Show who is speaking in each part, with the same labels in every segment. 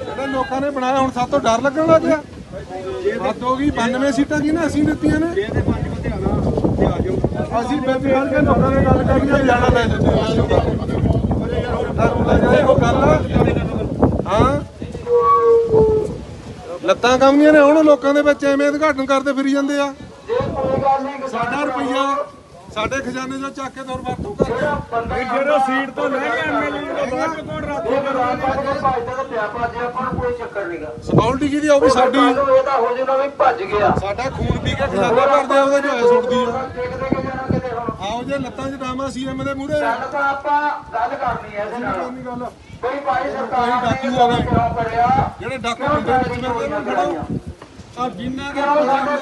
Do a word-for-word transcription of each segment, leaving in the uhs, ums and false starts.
Speaker 1: ਲੋਕਾਂ ਨੇ ਬਣਾਇਆ ਹੁਣ ਸਾਤੋਂ ਡਰ ਲੱਗਣ ਲੱਗ ਗਿਆ। ਹੱਦ ਹੋ ਗਈ। ਬਾਨਵੇਂ ਸੀਟਾਂ ਕੀ ਨਾ ਅਸੀਂ ਦਿੱਤੀਆਂ ਨੇ। ਅਸੀਂ ਬੇਬੀ ਹਰ ਕੇ ਲੋਕਾਂ ਨੇ ਗੱਲ ਕਰੀ ਜਾਣਾ ਲੈ ਦਿੰਦੇ ਉਹ ਗੱਲ ਹਾਂ ਲੱਤਾਂ ਕੰਮੀਆਂ ਨੇ ਹੁਣ ਲੋਕਾਂ ਦੇ ਵਿੱਚ ਐਵੇਂ ਉਦਘਾਟਨ ਕਰਦੇ ਫਿਰੀ ਜਾਂਦੇ ਆ। ਸਾਡਾ ਰੁਪਈਆ ਸਾਡੇ ਖਜ਼ਾਨੇ ਚੋਂ ਚੱਕ ਕੇ ਦੌਰ ਵਰਤੋਂ ਕਰਦੇ
Speaker 2: ਜਿਹੜਾ ਸੀਟ ਤੋਂ ਲੈ ਕੇ ਐਮਐਲਏ ਨੂੰ ਬਾਅਦ ਚ ਕੌਣ ਰਾਖੀ ਕਰੂਗਾ?
Speaker 3: ਕੋਈ ਚੱਕਰ ਨਹੀਂਗਾ।
Speaker 1: ਸਕਿਉਰਟੀ ਕਿਹਦੀ ਆ? ਉਹ ਵੀ ਸਾਡੀ।
Speaker 3: ਇਹਦਾ ਹੋ ਜਾਣਾ ਵੀ ਭੱਜ ਗਿਆ।
Speaker 1: ਸਾਡਾ ਖੂਨ ਪੀ ਕੇ ਖਜ਼ਾਨਾ ਭਰਦੇ ਆ, ਉਹਦੇ ਝੋਏ ਸੁੱਟਦੀ ਆ।
Speaker 3: ਦੇਖਦੇ ਕਿ ਜਾਣਾ ਕਿਤੇ ਹੁਣ
Speaker 1: ਆਓ ਜੇ ਲੱਤਾਂ 'ਚ ਡਾਮਾ ਸੀਐਮ ਦੇ ਮੂਹਰੇ
Speaker 3: ਗੱਲ ਤਾਂ ਆਪਾਂ ਗੱਲ ਕਰਨੀ ਹੈ ਇਹਦੇ ਨਾਲ।
Speaker 1: ਨਹੀਂ ਗੱਲ
Speaker 3: ਕੋਈ ਭਾਈ ਸਰਕਾਰ ਨੇ ਕਿਉਂ ਕਰਿਆ?
Speaker 1: ਜਿਹੜੇ ਡਾਕੂ ਹੁੰਦੇ ਵਿੱਚ ਮਿਲਦੇ ਨੇ ਖੜੋ ਆ ਜਿੰਨਾ ਦੇ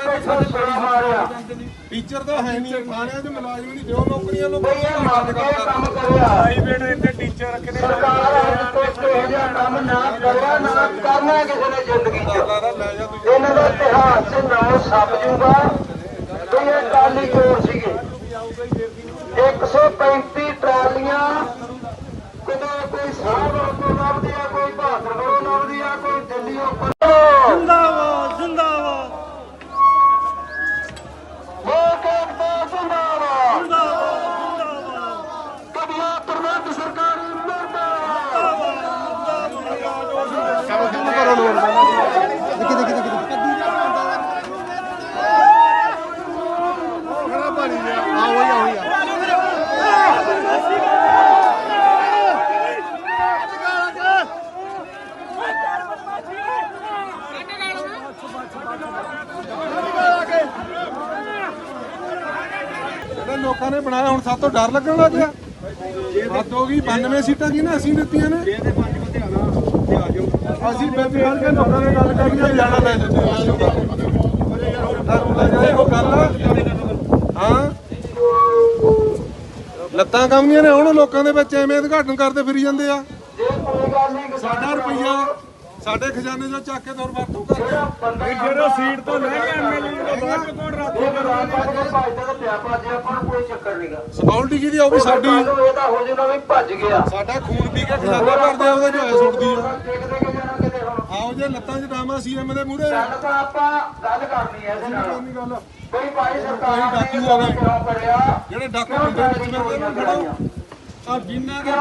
Speaker 1: ਟੀਚਰ ਤਾਂ ਹੈ ਨਹੀਂ, ਥਾਣਿਆਂ 'ਚ ਮੁਲਾਜ਼ਮ ਨਹੀਂ, ਦਿਓ ਨੌਕਰੀਆਂ ਨੂੰ
Speaker 3: ਕੰਮ ਕਰਿਆ।
Speaker 2: ਪ੍ਰਾਈਵੇਟ ਇੱਥੇ ਟੀਚਰ ਰੱਖੇ ਨੇ।
Speaker 3: ਸਰਕਾਰ ਕੋਈ ਇਹੋ ਜਿਹਾ ਕੰਮ ਨਾ ਕਰਿਆ ਨਾ ਕਰਨਾ ਕਿਸੇ ਨੇ ਜ਼ਿੰਦਗੀ 'ਚ।
Speaker 1: ਲੈ ਜਾ ਤੂੰ।
Speaker 3: ਇਹਨਾਂ ਦਾ ਇਤਿਹਾਸ 'ਚ ਨਾਮ ਛਪ ਜੂਗਾ ਵੀ ਇਹ ਟਰਾਲੀ ਚੋਰ ਸੀਗੇ। ਇੱਕ ਸੌ ਪੈਂਤੀ ਟਰਾਲੀਆਂ ਕਿਤੇ ਕੋਈ ਸਾਹਬ ਤੋਂ ਲੱਭਦੀ ਆ, ਕੋਈ ਬਹਾਦਰ ਕੋਲੋਂ ਲੱਭਦੀ ਆ, ਕੋਈ ਦਿੱਲੀ ਉੱਪਰ।
Speaker 2: ਜ਼ਿੰਦਾਬਾਦ ਜ਼ਿੰਦਾਬਾਦ
Speaker 3: ਲੋਕ ਏਕਤਾ ਜ਼ਿੰਦਾਬਾਦ।
Speaker 2: ਜ਼ਿੰਦਾਬਾਦ
Speaker 3: ਕਬਲਾ ਪ੍ਰਬੰਧ ਸਰਕਾਰ ਮੁਰਦਾਬਾਦ।
Speaker 1: ਲੋਕਾਂ ਨੇ ਬਣਾਇਆ ਹੁਣ ਸਾਤੋਂ ਡਰ ਲੱਗਣ ਲੱਗ ਗਿਆ। ਹੱਦ ਹੋ ਗਈ। ਬਾਨਵੇਂ ਸੀਟਾਂ ਕੀ ਨਾ ਅਸੀਂ ਦਿੱਤੀਆਂ ਨੇ। ਅਸੀਂ ਬੇਬੀ ਹਰ ਕੇ ਲੋਕਾਂ ਨੇ ਗੱਲ ਕਰੀ ਜਾਣਾ ਲੈ ਦਿੰਦੇ ਉਹ ਗੱਲ ਹਾਂ ਲੱਤਾਂ ਕੰਮੀਆਂ ਨੇ ਹੁਣ ਲੋਕਾਂ ਦੇ ਵਿੱਚ ਐਵੇਂ ਉਦਘਾਟਨ ਕਰਦੇ ਫਿਰੀ ਜਾਂਦੇ ਆ। ਸਾਡਾ ਰੁਪਈਆ ਸਾਡੇ ਖਜ਼ਾਨੇ ਚੋਂ ਚੱਕ ਕੇ ਦੌਰ ਵਰਤੋਂ ਕਰਦੇ
Speaker 2: ਜਿਹੜਾ ਸੀਟ ਤੋਂ ਲੈ ਕੇ ਐਮਐਲਏ ਨੂੰ ਬਾਅਦ ਚ ਕੌਣ ਰਾਖੀ ਕਰੂਗਾ?
Speaker 3: ਕੋਈ ਚੱਕਰ ਨਹੀਂਗਾ।
Speaker 1: ਸਕਿਉਰਟੀ ਕਿਹਦੀ ਆ? ਉਹ ਵੀ ਸਾਡੀ।
Speaker 3: ਇਹਦਾ ਹੋ ਜਾਣਾ ਵੀ ਭੱਜ ਗਿਆ।
Speaker 1: ਸਾਡਾ ਖੂਨ ਪੀ ਕੇ ਖਜ਼ਾਨਾ ਭਰਦੇ ਆ, ਉਹਦੇ ਝੋਏ ਸੁੱਟਦੀ ਆ।
Speaker 3: ਦੇਖਦੇ ਕਿ ਜਾਣਾ ਕਿਤੇ ਹੁਣ
Speaker 1: ਆਓ ਜੇ ਲੱਤਾਂ 'ਚ ਡਾਮਾ ਸੀਐਮ ਦੇ ਮੂਹਰੇ।
Speaker 3: ਗੱਲ ਤਾਂ ਆਪਾਂ ਗੱਲ ਕਰਨੀ ਹੈ ਇਹਦੇ ਨਾਲ।
Speaker 1: ਨਹੀਂ ਗੱਲ
Speaker 3: ਕੋਈ ਭਾਈ ਸਰਕਾਰ ਨੇ ਕਿਉਂ ਕਰਿਆ?
Speaker 1: ਜਿਹੜੇ ਡਾਕੂ ਹੁੰਦੇ ਵਿੱਚ ਮਿਲਦੇ ਨੇ ਖੜੋ ਆ ਜਿੰਨਾ ਦੇ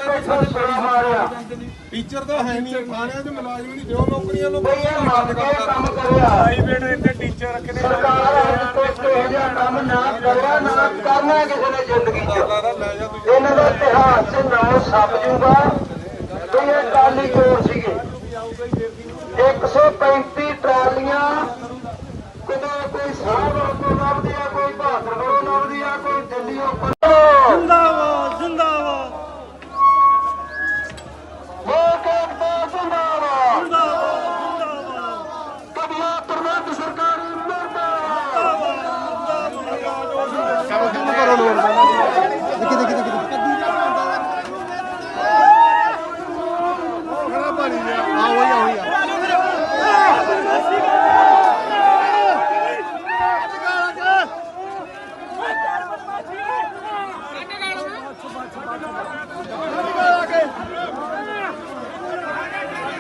Speaker 1: ਟੀਚਰ ਤਾਂ ਹੈ ਨਹੀਂ, ਥਾਣਿਆਂ 'ਚ ਮੁਲਾਜ਼ਮ ਨਹੀਂ, ਦਿਓ ਨੌਕਰੀਆਂ ਨੂੰ
Speaker 3: ਕੰਮ ਕਰਿਆ।
Speaker 2: ਪ੍ਰਾਈਵੇਟ ਇੱਥੇ ਟੀਚਰ ਰੱਖੇ ਨੇ।
Speaker 3: ਸਰਕਾਰ ਕੋਈ ਇਹੋ ਜਿਹਾ ਕੰਮ ਨਾ ਕਰਿਆ ਨਾ ਕਰਨਾ ਕਿਸੇ ਨੇ ਜ਼ਿੰਦਗੀ 'ਚ।
Speaker 1: ਲੈ ਜਾ ਤੂੰ।
Speaker 3: ਇਹਨਾਂ ਦਾ ਇਤਿਹਾਸ 'ਚ ਨਾਮ ਛਪ ਜੂਗਾ ਵੀ ਇਹ ਟਰਾਲੀ ਚੋਰ ਸੀਗੇ।